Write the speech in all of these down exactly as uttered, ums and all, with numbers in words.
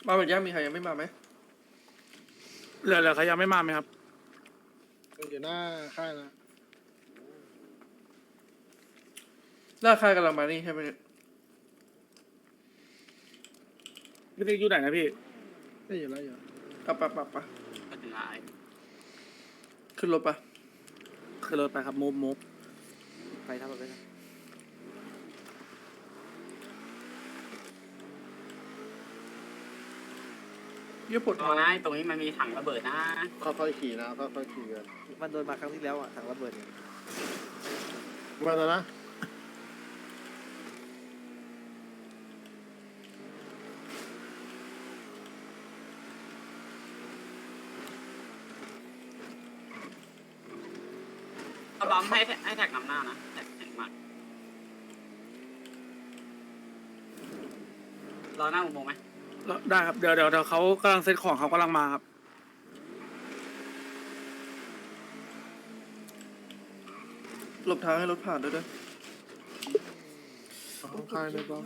มาเหมือนยังมีใครยังไม่มาไหมเหลือเหลือใครยังไม่มาไหมครับอยู่หน้าค่ายนะหน้าค่ายกำลังมานี่ใช่ไหมเนี่ยพี่ติ๊กอยู่ไหนนะพี่ได้อยู่แล้วอยู่อ่ะปะปะปะก็ถึงไอ้ขึ้นรถปะคือรถไปครับมูฟมูฟไปทำแบบนี้เยี่ยปวดตรท้อง งนั้นตรงนี้มันมีถังระเบิดนะค่อยๆขี่นะค่อยๆขี่กันมันโดนมาครั้งที่แล้วอ่ะถังระเบิดเนี่ยมาแล้วนะเอาบัมให้ให้แท็กนำหน้านะแท็กแท็กมากรอหน้าอุโมงค์ไหมได้ครับเดี๋ยวเดี๋ยวเดี๋ยวเขากำลังเซ็ตของเขากำลังมาครับหลบทางให้รถผ่านด้วยด้วยของค่ายเลยบ้าง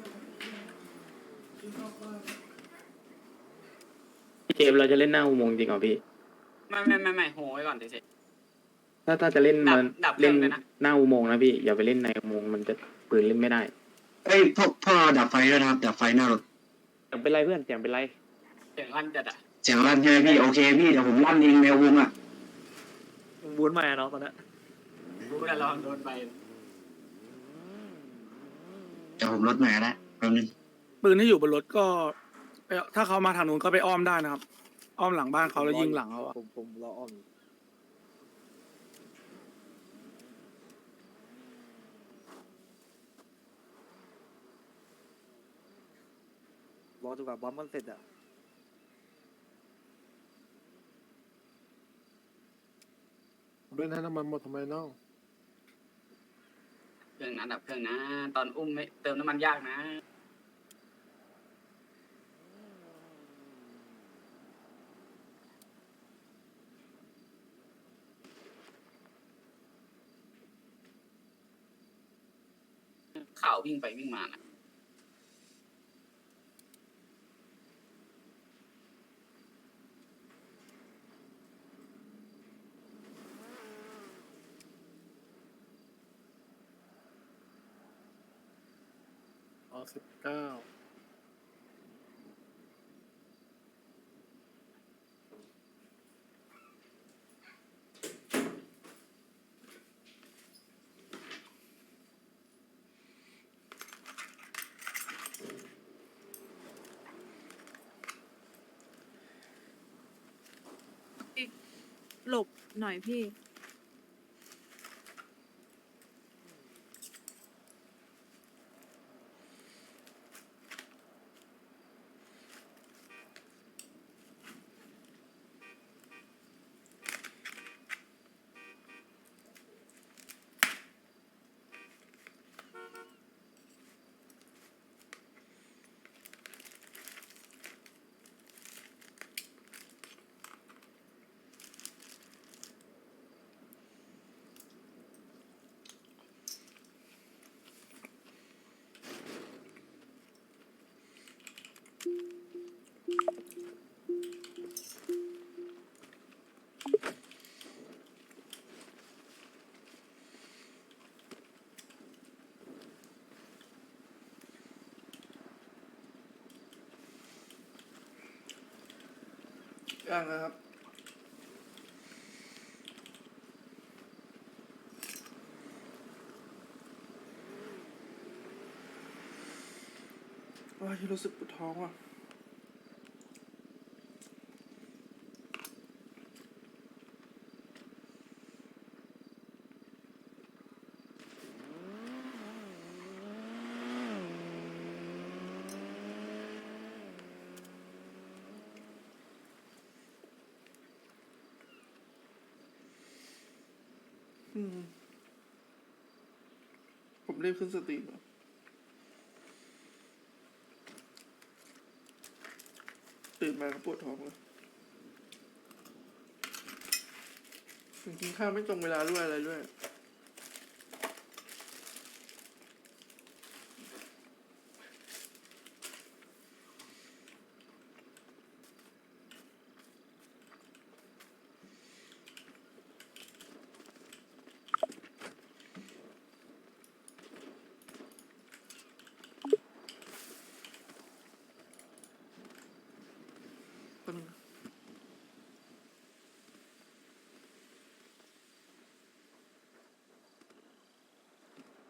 พี่เจมส์เราจะเล่นหน้าอุโมงค์จริงเหรอพี่ไม่ไม่ไม่ไม่โหไว้ก่อนเฉยถ้าถ้าจะเล่นดับมันดับเครื่เล่องนเลยนะหน้าอุโมงค์นะพี่อย่าไปเล่นในอุโมงค์มันจะปืนเล่นไม่ได้เอ้ยพวกพ่อดับไฟด้วยนะครับดับไฟหน้ารถเสียงเป็นไรเพื่อนเสียงเป็นไรเสียงลั่นจัดอ่ะเสียงลั่นใช่ไหมพี่โอเคพี่เดี๋ยวผมลั่นเองแมววงอ่ะบูนมาเนาะตอนนี้รู้แต่ระวังโดนไปเดี๋ยวผมลดหน่อยแล้วแป๊บนึงปืนที่อยู่บนรถก็ไปถ้าเขามาทางนู้นก็ไปอ้อมได้นะครับ อ้อมหลังบ้านเขาแล้วยิงหลังเขาอะผมผมรออ้อมอยู่รอจนกว่าบอมมันเสร็จอ่ะเล่นให้น้ำมันหมดทำไมน้องเครื่องนั้นดับเครื่องนะ ตอนอุ้มไม่เติมน้ำมันยากนะข่าววิ่งไปวิ่งมานะอ๋อสิบเก้าหลบหน่อยพี่ย่างนะครับว้ายรู้สึกปวดท้องว่ะอืมผมรีบขึ้นสตรีมอะตื่นมาก็ปวดท้องเลยกินข้าวไม่ตรงเวลาด้วยอะไรด้วย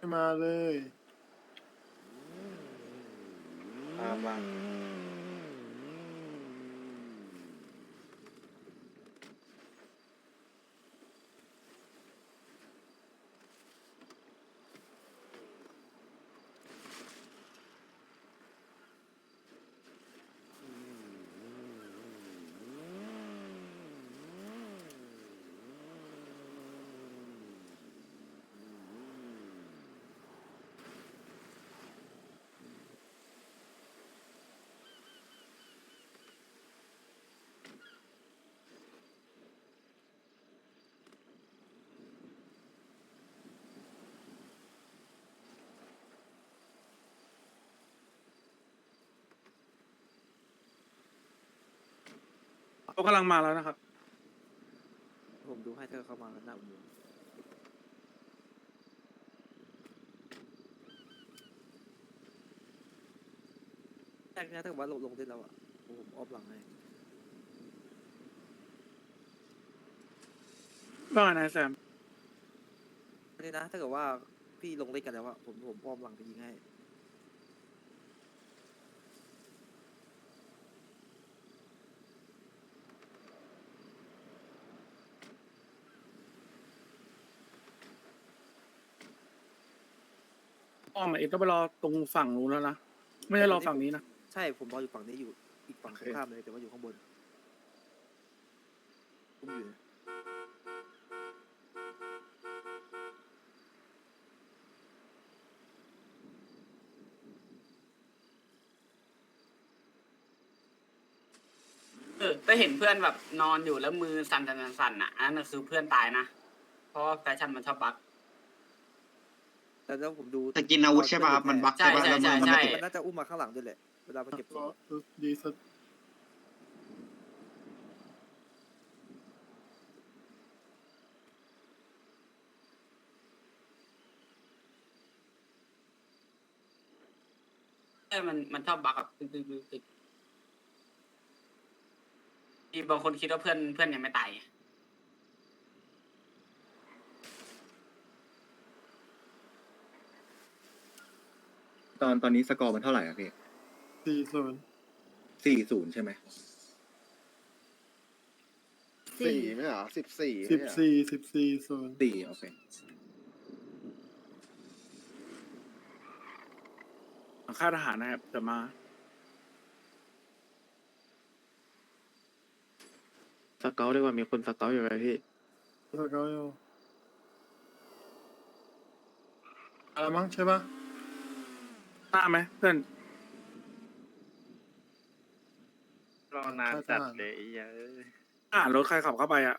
ไม่มาเลยมามาเขากำลังมาแล้วนะครับผมดูให้เธอเข้ามาแล้วหน้าอุโมงค์แรกเนี้ถ้าเกิดว่าลงลงได้แล้วอ่ะผมออฟหลังให้ว่าไงนายแซมนี่นะถ้าเกิดว่าพี่ลงเล่นกันแล้วอ่ะผมผมออฟหลังไปยิงให้อ้อมเอ็ดต้องไปรอตรงฝั่งนู้นแล้วนะ ไม่ได้รอฝั่งนี้นะใช่ผมรออยู่ฝั่งนี้อยู่อีกฝั่งตรงข้ามเลยแต่ว่าอยู่ข้างบนผมอยู่เนี่ยเออแต่เห็นเพื่อนแบบนอนอยู่แล้วมือสั่นสั่นสั่นอ่ะอันนั้นคือเพื่อนตายนะเพราะว่าแฟชั่นมันชอบบั๊กแต่แล้วผมดูแต่กินอาวุธใช่ป่ะครับมันบั๊กใช่ป่ะใช่แล้วมือมันใช่ไม่ติดมันน่าจะอุ้มมาข้างหลังด้วยแหละเวลาไปเก็บศรอพดีสุดเออมันมันชอบบั๊กแบบตึ๊กตึ๊กตึ๊กตึ๊กที่บางคนคิดว่าเพื่อนเพื่อนยังไม่ตายตอนตอนนี้สกอร์มันเท่าไหร่อะพี่สี่ศูนย์สี่ศูนย์ใช่ไหมสี่ไม่เหรอสิบสี่สิบสี่สิบสี่ศูนย์สี่โอเคค่ายทหารนะครับเดี๋ยวมาสเกลดีกว่ามีคนสเกลอยู่ไหมพี่แล้วก็อยู่อะไรมั้งใช่ปะหน้าไหมเพื่อนรอนานจัดเลยอ่ารถใครขับเข้าไปอ่ะ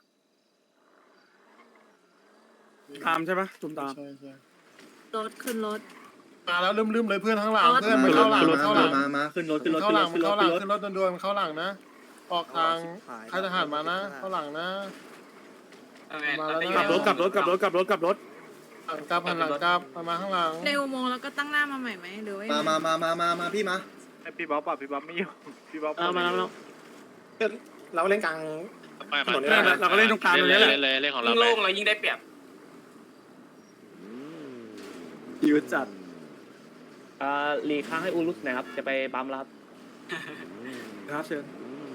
ตามใช่ปะตุมตามใช่ใช่รถขึ้นรถมาแล้วลืมๆเลยเพื่อนข้างหลังรถเพื่อนมันเข้าหลังมามันเข้าหลังมามาขึ้นรถขึ้นรถเข้าขึ้นหรลังถมันขึ้นรเข้าถหลัขึ้งนรถขึ้นรถด่วนๆมันเข้าหลังนะ ออกทางค่ายทหารมานะ เข้าหลังนะเอาไงมาแล้วเอานะไปกลับรถกลับรถกลับรถกลับรถกลับรถหลังกลับหันหลังกลับมามาข้างหลังในอุโมงค์แล้วก็ตั้งหน้ามาใหม่ไหมหรือว่ายังมาไงมามามามามาพี่มาพี่บ๊อบอ่ะพี่บ๊อบไม่อยู่พี่บ๊อบเอามาแล้วเราเล่นกลางถนนเนี่ยเราก็เล่นตรงกลางตรงนี้แหละยิ่งโล่งเรายิ่งได้เปรียบยืดจัดอ่ารีค้างให้อูรุสหน่อยครับ จะไปบัมแล้วครับครับเชิญ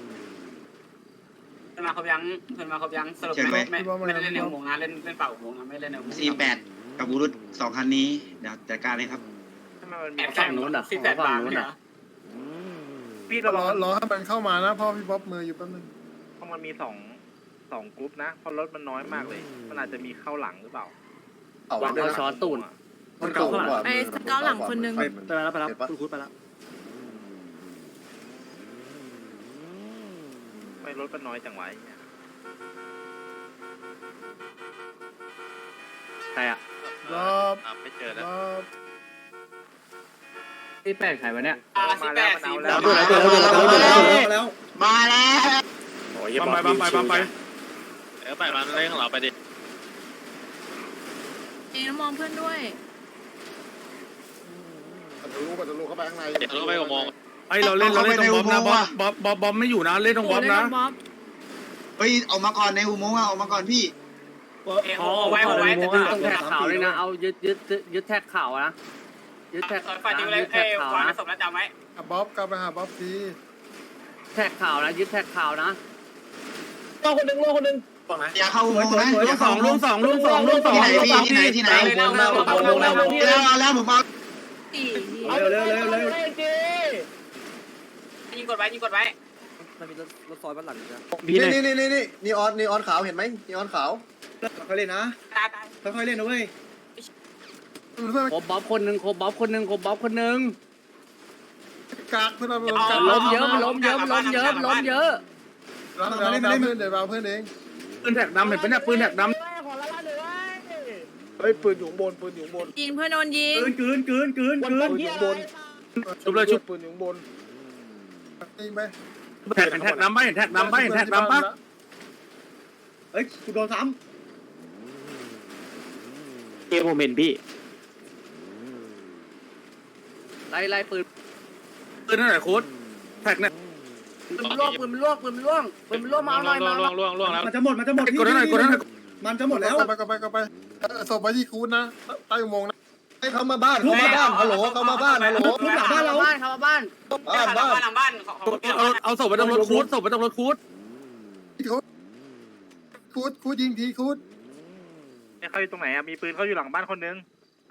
เพื่อนมาครบยังเพื่อนมาครบยังสรุปไม่ไม่ไม่ได้เล่นในอุโมงค์นะเล่นเล่นเปล่าอุโมงค์นะไม่เล่นในอุโมงค์สี่แปดกับอุรุตสองคันนี้เดี๋ยวจัดการเลยครับแอบฝั่งนู้นอ่ะสิบแปดบาทเนี่ยพี่รอรอให้มันเข้ามานะพ่อพี่บ๊อบมืออยู่แป๊บนึงเพราะมันมีสองสองกรุ๊ปนะเพราะรถมันน้อยมากเลย มันอาจจะมีเข้าหลังหรือเปล่าหวังเขาช้อนตูนมันเก่ากว่าไปสเกาหลังคนนึงไปไปแล้วไปแล้วคุณคุดไปแล้วไม่รถมันน้อยจังไวะไอ้เหี้ยใครอ่ะรอบอ่ะไม่เจอแล้วรอบที่แปลกใครวะเนี่ยอ่าสิบแปดสี่มาแล้วมาแล้วมาแล้วมาแล้วโอ้ยบัมไปบัมไปบัมไปเออไปมันเล่นของเราไปดิเอ็มองเพื่อนด้วยทะลุทะลุเข้าไปข้างในเดี๋ยวเราไปกับมองไอเราเล่นเราเล่นตรงบ๊อบนะบ๊อบบ๊อบบ๊อบบ๊อบไม่อยู่นะเล่นตรงโอ้บ๊อบเล่นนะกับบ๊อบเฮ้ยออกมาก่อนในอุโมงค์อะออกมาก่อนพี่โอ้เอ้ยโอ้ไว้โอ้ไว้แต่ต้องแท็กข่าวเลยนะเอายึดยึดยึดแท็กข่าวนะยึดแท็กฝากดูเลยเอ้ยวางในศพแล้วจำไว้อ่ะบ๊อบกลับไปหาบ๊อบทีแท็กข่าวนะยึดแท็กข่าวนะรอคนหนึ่งรอคนหนึ่งอย่าเข้าอุโมงค์นะอย่าสเข้าองอุโมลุงงค์สองลุงสองลุงสองที่ไหนพี่ที่ไหนที่ไหนเลยนะเราเราเราแล้วเอาแล้วผมเอาสี่เร็วเร็วเร็วเร็วยิงกดไว้ยิงกดไว้มันมีรถรถซอยบ้านหลังอยู่นะนี่นี่นี่นี่นีออนนีออนขาวเห็นไหมนีออนขาวค่อยเล่นนะตายตายค่อยๆเล่นนะเว้ยเพื่อนครบบ๊อบคนหนึ่งครบบ๊อบคนหนึ่งครบบ๊อบคนหนึ่งกากเพื่อนเราล้มเยอะมันล้มเยอะมันล้มเยอะมันล้มเยอะเราเล่นเพื่อนเดี๋ยวเราเพื่อนเองปืนแท็กดำเห็นปะเนี่ยปืนแท็กดำเฮ้ยปืนอยู่บนปืนอยู่บนยิงเพื่อนโดนยิงกืนกืนกืนกืนกืนปืนอยู่บนชุบเลยชุบปืนอยู่บนยิงไปแท็กเห็นแท็กดำปะเห็นแท็กดำปะเห็นแท็กดำปะเฮ้ยกูโดนซ้เกมผมเห็นพี่ไล่ไล่ปืนปืนนั่นแหละโค้ดแท็กเนี่ยปืนมันล่วงปืนมันล่วงปืนมันล่วงปืนมันล่วงมาเอาหน่อยมาำมันจะหมดมันจะหมดกดนั่นหน่อยกดนั่นหน่อยมันจะหมดแล้วก็ไปก็ไปก็ไปศพไปที่คูนนะใต้อุโมงค์นะให้เขามาบ้านเขามาบ้านฮัลโหลเขามาบ้านฮัลโหลทุกหลังบ้านเราบ้านเขามาบ้านบ้านหลับ้าง นบ้านหลังบ้านของของเอาเอาศพไปตรงรถคูดศพไปตรงรถคูดคูดคูดยิงทีคูดเนี่ยเขาอยู่ตรงไหนอะมีปืนเขาอยู่หลังบ้านคนหนึง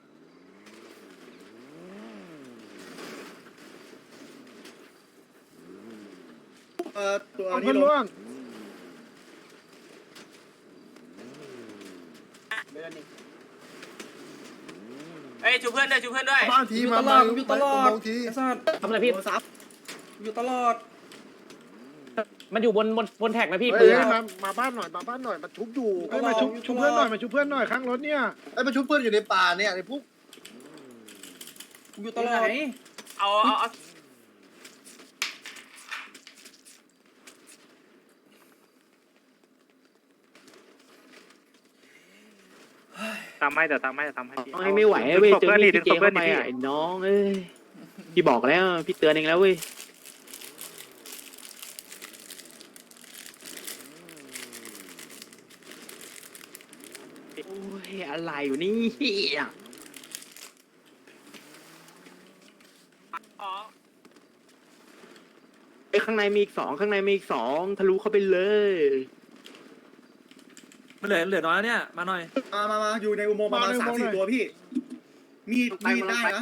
เอ่อตัวเอานี้เพื่อนลร่วงงเอ้ยชูเพื่อนด้วยชูเพื่อนด้วยบ้านทีมามาอยู่ตลอดทีทำอะไรพี่โดนซับอยู่ตลอดมันอยู่บนบนบนแท็กนะพี่เฮ้ปืยนมามาบ้านหน่อยมาบ้านหน่อยมาชุบอยู่มาชุบชุบเพื่อนหน่อยมาชุบเพื่อนหน่อยข้างรถเนี่ยไอ้ยมันชุบเพื่อนอยู่ในป่าเนี่ยไอ้พวกอยู่ตลอดเอาเอาเอาตามให้แต่ตามให้แต่ตามให้พี่ไม่ไหวเว้ยดึงศพเจอเพื่อนดิพี่ดึงเจศพเพื่เข้าอนไปดิพี่อ่ะไอ้น้องเอ้ยพี่บอกแล้วพี่เตือนเองแล้วเว้ยโอ้ยอะไรอยู่นี่อ๋อไอ้ข้างในมีอีกสองข้างในมีอีกสองทะลุเข้าไปเลยมันเหลือเหลือน้อยแล้วเนี่ยมาหน่อยมามามาอยู่ในอุโมงค์ประมาณสามสี่ตัวพี่ มีดมีดได้นะ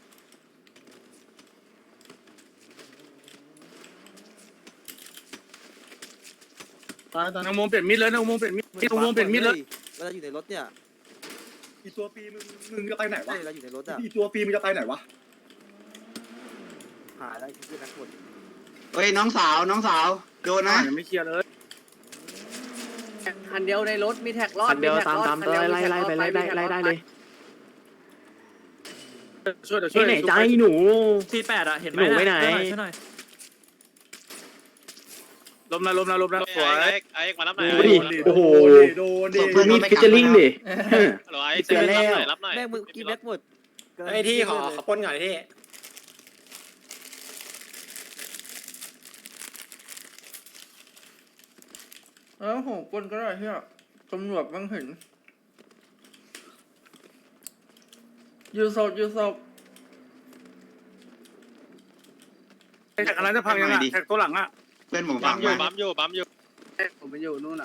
ตายตายนางมงเปลี่ยนมิดเลยนางมงเปลี่ยนมิดนางมงเปลี่ยนมิดเลยเวลาอยู่ในรถเนี่ยอีตัวปีมึงมึงจะไปไหนวะเวลาอยู่ในรถอะอีตัวปีมึงจะไปไหนวะหาได้ที่นักบวชเฮ้ยน้องสาวน้องสาวโดนนะยังไม่เคลียร์เลยคันเดียวในรถมีแท็กรอดคันเดียวแท็กตามรอดตามคันเดียวไล่ไล่ไปไล่ได้ไล่ได้เลยช่วยเดี๋ยวช่วยที่ไหนใจหนูที่แปดอะเห็นไหมหนูไปไหนช่วยหน่อยลมนะลมนะลมนะสวยไอ้มารับหน่อยดูดิโอ้โหโดนดิดูมีฟิชเจอริงดิหรอไอ้เตือนรับหน่อยรับหน่อยแม่งมึงกินแม็กหมดไอ้ที่ขอขอปนหน่อยที่เออโหปนก็ได้ที่อ่ะตำรวจบ้างเห็นยูศพยูศพแท็กอะไรจะพังยังไงแท็กตัวหลังอ่ะเพื่อนผมบัฟัมงอยู่มาบัมอยู่บัมอยู่ผมไปอยู่นู่นอ่ะ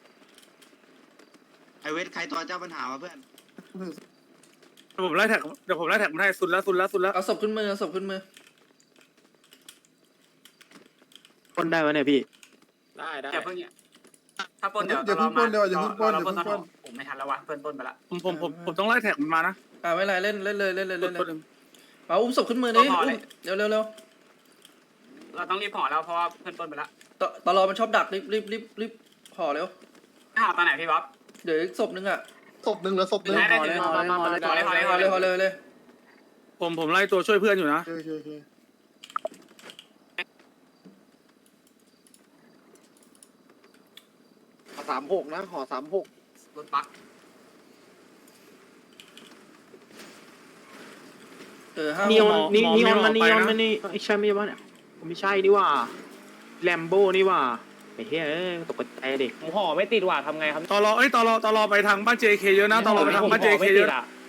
ไอเวทใครตัวเจ้าปัญหาวะเพื่อนเดี๋ยวผมไล่แท็กเดี๋ยวผมไล่แท็กมันให้สุดแล้วสุดแล้วสุดแล้วเอาศพขึ้นมือเอาศพขึ้นมือคนได้วะเนี่ยพี่ได้ได้อย่าเพิ่งเนี่ยถ้าปนเดี๋ยวอย่าเพิ่งปนเดี๋ยวอย่าเพิ่งปนเราอย่าปเพิ่นงสปนอน งผมไม่ทันแล้ววะเพื่อนปนไปละผมผมผมผมต้องไล่แท็กมันมานะอ่าไม่ไรเล่นเล่นเลยเล่นเลยเล่นเลยเอาอุ้มศพขึ้นมือดิอุ้มเร็วเร็วเร็วเราต้องรีบห่อแล้วเพราะว่าเพื่อนปนไปละตตลอมันชอบดักรีบรีบรีบรีบห่อเร็วห่อตอนไหนพี่บ๊อบเดี๋ยวอีกศพนึงอ่ะศพหนึ่งเหลือศพหนึ่งได้ได้ห่อเลยห่อเลยห่อเลยห่อเลยห่อเลยห่อเลยห่อเลยเลยผมผมไล่ตัวช่วยเพื่อนอยู่นะโอเคโอเคสามหกนะห่อสามหกรถบักเออห้านีออนนีหนีออนไมันนีออนไปะมันนี่ไอ้ใช่ไม่ใช่วะเนี่ยไม่ใช่นี่ว่าแลมโบ้นี่ว่าไอ้อ้เหี้ยเอ้ยตกใจดิผมห่อไม่ติดว่ะทำไงครับตอรอเอ้ยตอรอตอรอไปทางบ้าน เจ เค เยอะนะตอรอไปทางบ้าน เจ เค เยอะผมห่อไม่ติดอะ